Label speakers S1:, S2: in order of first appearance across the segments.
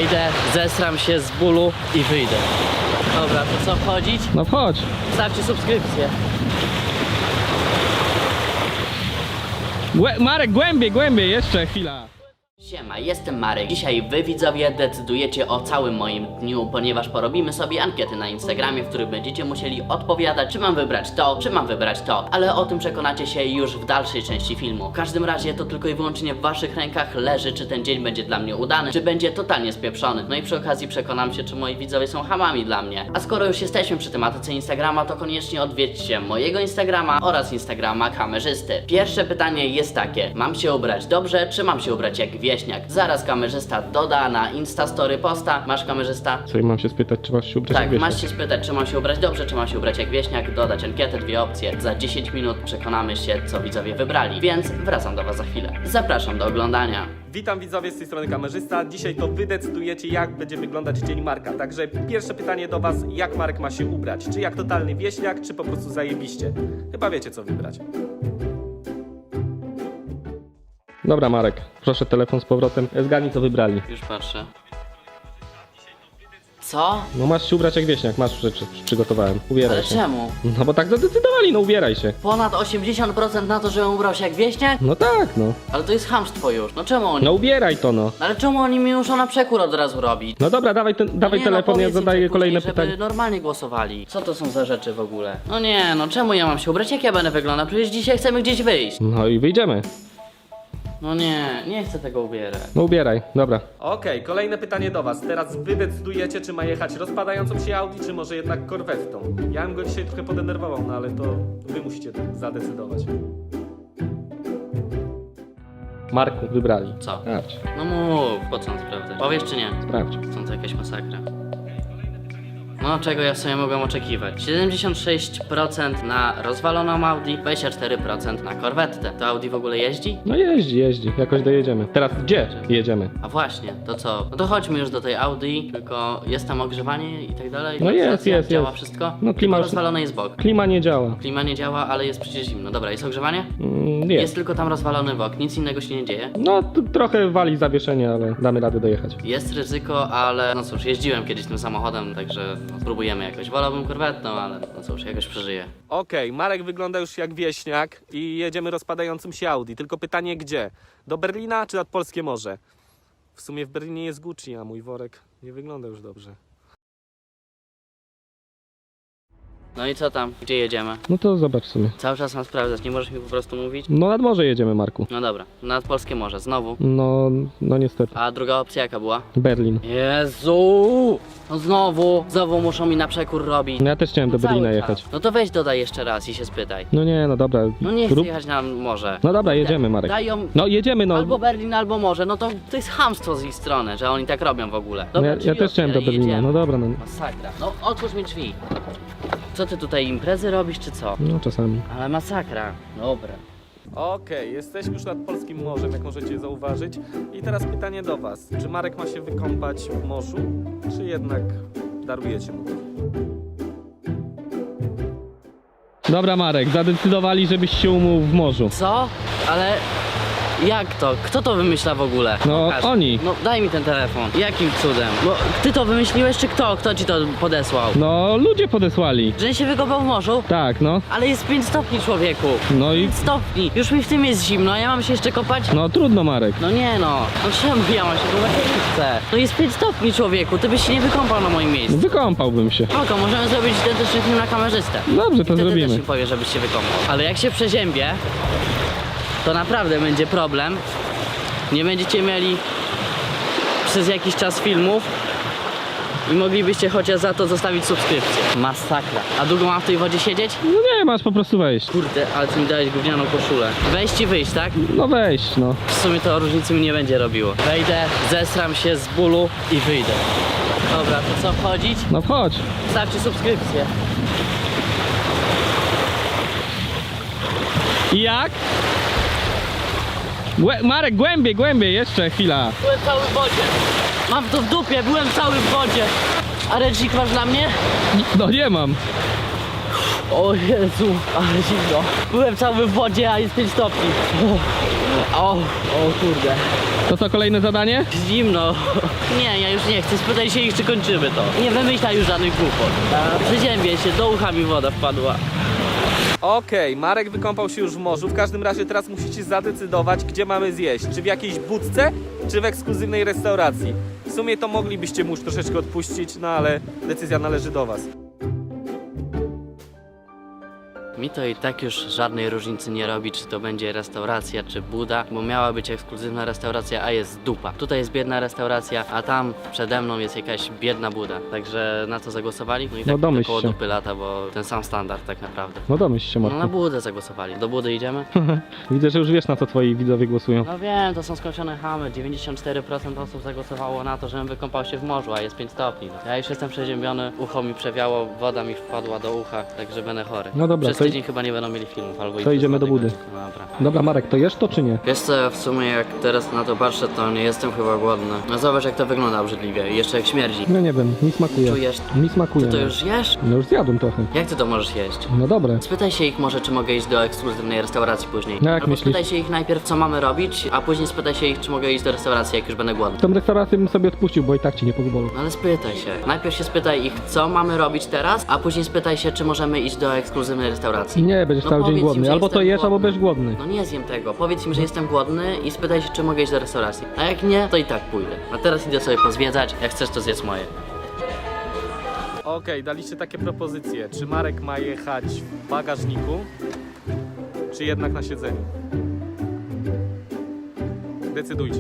S1: Wejdę, zesram się z bólu i wyjdę. Dobra, to co, wchodzić?
S2: No wchodź.
S1: Stawcie subskrypcję.
S2: Marek, głębiej, jeszcze chwila.
S1: Siema, jestem Marek. Dzisiaj wy widzowie decydujecie o całym moim dniu, ponieważ porobimy sobie ankiety na Instagramie, w których będziecie musieli odpowiadać, czy mam wybrać to, czy mam wybrać to. Ale o tym przekonacie się już w dalszej części filmu. W każdym razie to tylko i wyłącznie w waszych rękach leży, czy ten dzień będzie dla mnie udany, czy będzie totalnie spieprzony. No i przy okazji przekonam się, czy moi widzowie są hamami dla mnie. A skoro już jesteśmy przy tematyce Instagrama, to koniecznie odwiedźcie mojego Instagrama oraz Instagrama kamerzysty. Pierwsze pytanie jest takie: mam się ubrać dobrze, czy mam się ubrać jak wieśniak? Zaraz kamerzysta doda na Instastory posta. Masz, kamerzysta?
S2: Co, i mam się spytać, czy masz się ubrać jak
S1: Tak,
S2: wieśniak?
S1: masz się spytać, czy mam się ubrać dobrze, czy mam się ubrać jak wieśniak, dodać ankietę, dwie opcje. Za 10 minut przekonamy się, co widzowie wybrali, więc wracam do was za chwilę. Zapraszam do oglądania.
S3: Witam widzowie, z tej strony kamerzysta. Dzisiaj to wy decydujecie, jak będzie wyglądać dzień Marka. Także pierwsze pytanie do was: jak Marek ma się ubrać? Czy jak totalny wieśniak, czy po prostu zajebiście? Chyba wiecie, co wybrać.
S2: Dobra, Marek, proszę telefon z powrotem. Zgadnij, co wybrali.
S1: Już patrzę. Co?
S2: No masz się ubrać jak wieśniak, masz rzeczy, przygotowałem. Ubieraj
S1: Ale
S2: się.
S1: czemu?
S2: No bo tak zadecydowali, no ubieraj się.
S1: Ponad 80% na to, żebym ubrał się jak wieśniak?
S2: No tak, no.
S1: Ale to jest chamstwo już. No czemu oni?
S2: No ubieraj to, no.
S1: Ale czemu oni mi muszą na przekór od razu robić?
S2: No dobra, dawaj
S1: Nie,
S2: telefon, ja
S1: powiedz im
S2: zadaję
S1: tak
S2: kolejne
S1: później,
S2: pytanie.
S1: żeby normalnie głosowali. Co to są za rzeczy w ogóle? No nie, no czemu ja mam się ubrać? Jak ja będę wyglądał? Przecież dzisiaj chcemy gdzieś wyjść.
S2: No i wyjdziemy.
S1: No nie chcę tego ubierać.
S2: No ubieraj, dobra.
S3: Okej, kolejne pytanie do was. Teraz wy decydujecie, czy ma jechać rozpadającą się Audi, czy może jednak korwetą. Ja bym go dzisiaj trochę podenerwował, no ale to wy musicie zadecydować.
S2: Marku, wybrali.
S1: Co?
S2: Sprawdź,
S1: No mów, po co on sprawdzać? Powiesz czy nie?
S2: sprawdź.
S1: Są to jakaś masakra. No, czego ja sobie mogłem oczekiwać? 76% na rozwaloną Audi, 24% na korwetę. To Audi w ogóle jeździ?
S2: No jeździ, jakoś dojedziemy. Teraz gdzie jedziemy?
S1: A właśnie, to co? No to chodźmy już do tej Audi, tylko jest tam ogrzewanie i tak dalej?
S2: No jest,
S1: Działa
S2: jest.
S1: wszystko?
S2: No klima już-
S1: Rozwalony jest bok.
S2: Klima nie działa.
S1: Klima nie działa, ale jest przecież zimno. Dobra, jest ogrzewanie?
S2: Jest.
S1: Jest tylko tam rozwalony bok, nic innego się nie dzieje.
S2: No trochę wali zawieszenie, ale damy radę dojechać.
S1: Jest ryzyko, ale no cóż, jeździłem kiedyś tym samochodem, także no, spróbujemy jakoś. Wolałbym korwetną, ale no cóż, jakoś przeżyję.
S3: Okej, Marek wygląda już jak wieśniak i jedziemy rozpadającym się Audi. Tylko pytanie gdzie? Do Berlina czy nad Polskie Morze? W sumie w Berlinie jest Gucci, a mój worek nie wygląda już dobrze.
S1: No i co tam? Gdzie jedziemy?
S2: No to zobacz sobie.
S1: Cały czas mam sprawdzać, nie możesz mi po prostu mówić?
S2: No nad morze jedziemy, Marku.
S1: No dobra, nad Polskie Morze, znowu.
S2: No niestety.
S1: A druga opcja jaka była?
S2: Berlin.
S1: Jezu! No znowu muszą mi na przekór robić.
S2: No ja też chciałem do
S1: Cały
S2: Berlina
S1: czas.
S2: jechać.
S1: No to weź dodaj jeszcze raz i się spytaj.
S2: No nie, no dobra.
S1: No nie chcę
S2: Rób-
S1: jechać na morze.
S2: No dobra, jedziemy, Marek.
S1: Dają
S2: No jedziemy, no.
S1: albo Berlin, albo morze. No to jest chamstwo z ich strony, że oni tak robią w ogóle.
S2: No
S1: Dobra,
S2: ja
S1: drzwi
S2: też chciałem do
S1: otwieraj i
S2: Berlina.
S1: jedziemy.
S2: No dobra, no.
S1: Masakra. No otwórz mi drzwi. Co ty tutaj, imprezy robisz czy co?
S2: No czasami.
S1: Ale masakra. Dobra.
S3: Okej, jesteśmy już nad Polskim Morzem, jak możecie zauważyć. I teraz pytanie do was. Czy Marek ma się wykąpać w morzu, czy jednak darujecie mu to?
S2: Dobra, Marek, zadecydowali, żebyś się umył w morzu.
S1: Co? Ale jak to? Kto to wymyśla w ogóle?
S2: No, oni.
S1: No daj mi ten telefon. Jakim cudem? No ty to wymyśliłeś czy kto? Kto ci to podesłał?
S2: No ludzie podesłali.
S1: Że się wykopał w morzu?
S2: Tak, no.
S1: Ale jest 5 stopni, człowieku.
S2: No i
S1: 5 stopni. Już mi w tym jest zimno, a ja mam się jeszcze kopać?
S2: no trudno, Marek.
S1: No nie no. No czemu ja mam się kopać? Ja nie chcę. No jest 5 stopni, człowieku. Ty byś się nie wykąpał na moim miejscu.
S2: Wykąpałbym się.
S1: Spoko, możemy zrobić identyczny film na kamerzystę.
S2: Dobrze, to
S1: Wtedy też
S2: zrobimy.
S1: mi powie, żebyś się wykąpał. Ale jak się przeziębię, to naprawdę będzie problem. Nie będziecie mieli przez jakiś czas filmów i moglibyście chociaż za to zostawić subskrypcję. Masakra. A długo mam w tej wodzie siedzieć?
S2: No nie, masz po prostu wejść.
S1: Kurde, ale ty mi dałeś gównianą koszulę. Wejść i wyjść, tak?
S2: No wejść, no.
S1: W sumie to różnicy mi nie będzie robiło. Wejdę, zesram się z bólu i wyjdę. Dobra, to co, wchodzić?
S2: No wchodź.
S1: Stawcie subskrypcję.
S2: I jak? Marek, głębiej, jeszcze chwila.
S1: Byłem cały w wodzie. Mam to w dupie, byłem cały w wodzie. A ręcznik masz dla mnie?
S2: No nie mam.
S1: O Jezu, ale zimno. Byłem cały w wodzie, a jest 5 stopni. O kurde.
S2: To co, kolejne zadanie?
S1: Zimno. Nie, ja już nie chcę. Spytaj się ich, czy kończymy to. Nie wymyślaj już żadnych głupot. Przeziębię się, do ucha mi woda wpadła.
S3: Okej, Marek wykąpał się już w morzu. W każdym razie teraz musicie zadecydować, gdzie mamy zjeść. Czy w jakiejś budce, czy w ekskluzywnej restauracji. W sumie to moglibyście mu już troszeczkę odpuścić, no ale decyzja należy do was.
S1: Mi to i tak już żadnej różnicy nie robi, czy to będzie restauracja, czy buda, bo miała być ekskluzywna restauracja, a jest dupa. Tutaj jest biedna restauracja, a tam przede mną jest jakaś biedna buda. Także na co zagłosowali? No i tak
S2: domyśl
S1: koło
S2: się.
S1: dupy lata, bo ten sam standard tak naprawdę.
S2: No domyśl się,
S1: No na
S2: Marku.
S1: budę zagłosowali. Do budy idziemy?
S2: Widzę, że już wiesz, na co twoi widzowie głosują.
S1: No wiem, to są skończone chamy. 94% osób zagłosowało na to, żebym wykąpał się w morzu, a jest 5 stopni. Ja już jestem przeziębiony, ucho mi przewiało, woda mi wpadła do ucha, także będę chory.
S2: No dobra,
S1: Przez
S2: to
S1: tydzień chyba nie będą mieli filmów, albo i
S2: to
S1: przez
S2: idziemy
S1: 2
S2: do budy.
S1: tygodnie. Dobra.
S2: Dobra, Marek, to jesz to czy nie?
S1: Wiesz co, w sumie jak teraz na to patrzę, to nie jestem chyba głodny. No zobacz jak to wygląda obrzydliwie i jeszcze jak śmierdzi.
S2: No nie wiem, mi smakuje.
S1: Czujesz?
S2: Mi smakuje.
S1: To już jesz?
S2: No już zjadłem trochę.
S1: Jak ty to możesz jeść?
S2: No dobre.
S1: Spytaj się ich może, czy mogę iść do ekskluzywnej restauracji później.
S2: No jak
S1: Albo
S2: myślisz?
S1: spytaj się ich najpierw, co mamy robić, a później spytaj się ich, czy mogę iść do restauracji, jak już będę głodny.
S2: Tą restaurację bym sobie odpuścił, bo i tak ci nie pogubało.
S1: No ale spytaj się. Najpierw się spytaj ich, co mamy robić teraz, a później spytaj się, czy możemy iść do ekskluzywnej restauracji.
S2: Nie, będziesz
S1: No
S2: cały dzień
S1: powiedz im,
S2: głodny.
S1: że
S2: Albo to
S1: jestem
S2: jesz, albo
S1: głodny.
S2: będziesz głodny.
S1: No nie zjem tego. Powiedz im, że jestem głodny i spytaj się, czy mogę iść do restauracji. A jak nie, to i tak pójdę. A teraz idę sobie pozwiedzać. Jak chcesz, to zjedz moje.
S3: Okej, daliście takie propozycje. Czy Marek ma jechać w bagażniku, czy jednak na siedzeniu? Decydujcie.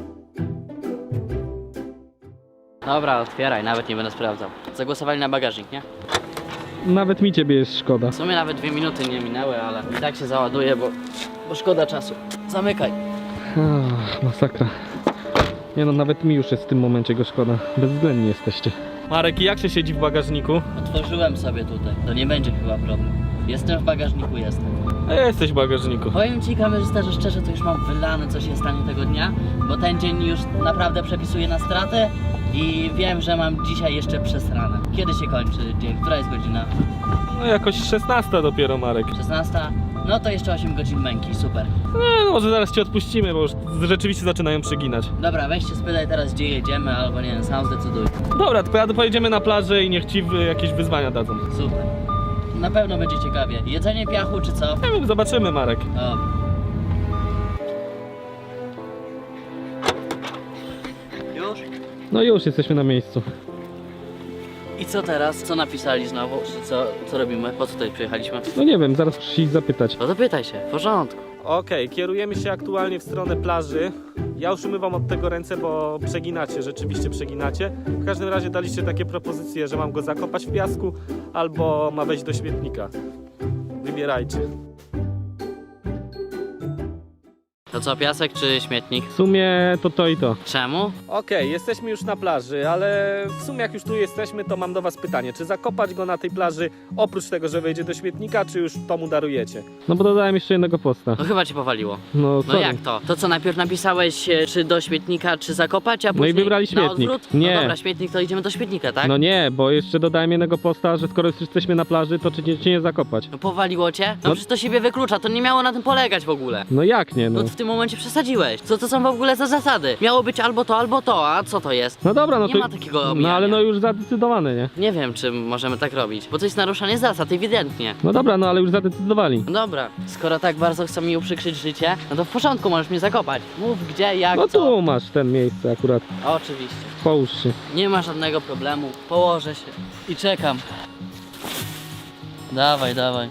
S1: Dobra, otwieraj, nawet nie będę sprawdzał. Zagłosowali na bagażnik, nie?
S2: Nawet mi ciebie jest szkoda.
S1: W sumie nawet 2 minuty nie minęły, ale i tak się załaduje, bo szkoda czasu. Zamykaj.
S2: Masakra. Nie no, nawet mi już jest w tym momencie go szkoda. Bezwzględni jesteście.
S3: Marek, jak się siedzi w bagażniku?
S1: Otworzyłem sobie tutaj. To nie będzie chyba problem. Jestem w bagażniku, jestem.
S3: A ja jesteś w bagażniku.
S1: Powiem ci, kamerzysta, że szczerze to już mam wylane, co się stanie tego dnia, bo ten dzień już naprawdę przepisuje na stratę i wiem, że mam dzisiaj jeszcze przesrane. Kiedy się kończy dzień? Która jest godzina?
S3: No jakoś 16 dopiero, Marek.
S1: 16? No to jeszcze 8 godzin męki, super.
S3: Nie, no może zaraz cię odpuścimy, bo już rzeczywiście zaczynają przyginać.
S1: Dobra, weź się spytaj teraz, gdzie jedziemy, albo nie wiem, sam zdecyduj.
S3: Dobra, tylko pojedziemy na plażę i niech ci jakieś wyzwania dadzą.
S1: Super. Na pewno będzie ciekawie. Jedzenie piachu czy co?
S3: Nie wiem, zobaczymy, Marek.
S1: Dobra. Już?
S2: No już jesteśmy na miejscu.
S1: I co teraz? Co napisali znowu? Czy co robimy? Po co tutaj przyjechaliśmy?
S2: No nie wiem, zaraz muszę ich zapytać.
S1: No to pytaj się, w porządku.
S3: Okej, kierujemy się aktualnie w stronę plaży. Ja już umywam od tego ręce, bo przeginacie, rzeczywiście przeginacie. W każdym razie daliście takie propozycje, że mam go zakopać w piasku, albo ma wejść do śmietnika. Wybierajcie.
S1: To co, piasek czy śmietnik?
S2: W sumie to i to.
S1: Czemu?
S3: Okej, jesteśmy już na plaży, ale w sumie jak już tu jesteśmy, to mam do was pytanie. Czy zakopać go na tej plaży, oprócz tego, że wejdzie do śmietnika, czy już to mu darujecie?
S2: No bo dodałem jeszcze jednego posta.
S1: No chyba cię powaliło.
S2: No
S1: No
S2: sorry.
S1: jak to? To co, najpierw napisałeś czy do śmietnika, czy zakopać, a
S2: No i
S1: później
S2: wybrali
S1: na
S2: śmietnik.
S1: odwrót?
S2: Nie.
S1: No dobra, śmietnik, to idziemy do śmietnika, tak?
S2: No nie, bo jeszcze dodałem jednego posta, że skoro już jesteśmy na plaży, to czy nie zakopać?
S1: No powaliło cię? No
S2: No-
S1: przecież to siebie wyklucza, to nie miało na tym polegać w ogóle.
S2: No jak nie, no.
S1: No w tym momencie przesadziłeś. Co to są w ogóle za zasady? Miało być albo to, a co to jest?
S2: No dobra, no
S1: Nie
S2: to...
S1: ma takiego
S2: No
S1: omijania.
S2: ale no już zadecydowane, nie?
S1: Nie wiem, czy możemy tak robić, bo to jest naruszanie zasad, ewidentnie.
S2: No dobra, no ale już zadecydowali.
S1: No dobra, skoro tak bardzo chcą mi uprzykrzyć życie, no to w porządku, możesz mnie zakopać. Mów gdzie, jak,
S2: No
S1: co.
S2: tu masz ten miejsce akurat.
S1: Oczywiście.
S2: Połóż się.
S1: Nie ma żadnego problemu. Położę się i czekam. Dawaj, dawaj.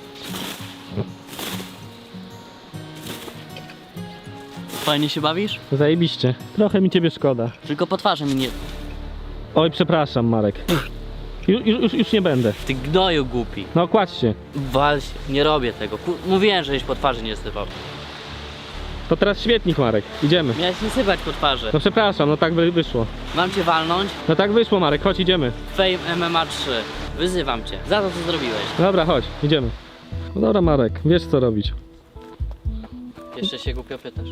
S1: Fajnie się bawisz?
S2: Zajebiście. Trochę mi ciebie szkoda.
S1: Tylko po twarzy mi nie...
S2: Oj, przepraszam, Marek. Już nie będę.
S1: Ty gnoju głupi.
S2: No kładź się.
S1: Wal się. Nie robię tego. Mówiłem, żeś po twarzy nie sypał.
S2: To teraz śmietnik, Marek. Idziemy.
S1: Miałeś nie sypać po twarzy.
S2: No przepraszam, no tak wyszło.
S1: Mam cię walnąć?
S2: No tak wyszło, Marek, chodź, idziemy.
S1: Fame MMA 3. Wyzywam cię. Za to, co zrobiłeś.
S2: Dobra, chodź, idziemy. No dobra, Marek, wiesz co robić.
S1: Jeszcze się głupio pytasz.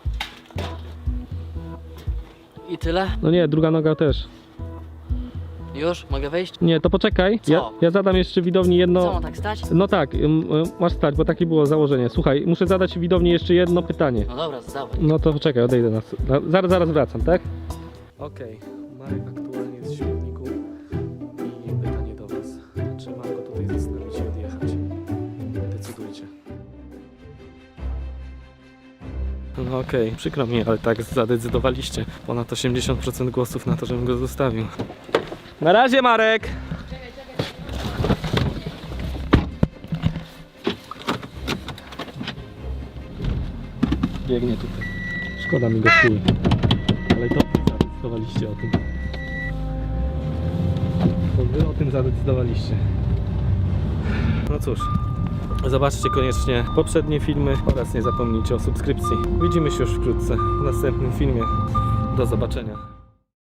S1: I tyle?
S2: No nie, druga noga też.
S1: Już? Mogę wejść?
S2: Nie, to poczekaj.
S1: Co?
S2: Ja zadam jeszcze widowni jedno...
S1: Co, mam tak stać?
S2: No tak, masz stać, bo takie było założenie. Słuchaj, muszę zadać widowni jeszcze jedno pytanie.
S1: No dobra, zdawaj.
S2: No to czekaj, odejdę zaraz wracam, tak?
S3: Okej, Marek aktualnie jest w śmietniku i pytanie do was. Czy mam go tutaj zostawić i odjechać? Decydujcie. No okej, przykro mi, ale tak zadecydowaliście. Ponad 80% głosów na to, żebym go zostawił. Na razie, Marek!
S2: Biegnie tutaj. Szkoda mi go chuj. Ale to zadecydowaliście o tym. To wy o tym zadecydowaliście.
S3: No cóż, zobaczcie koniecznie poprzednie filmy oraz nie zapomnijcie o subskrypcji. Widzimy się już wkrótce w następnym filmie. Do zobaczenia.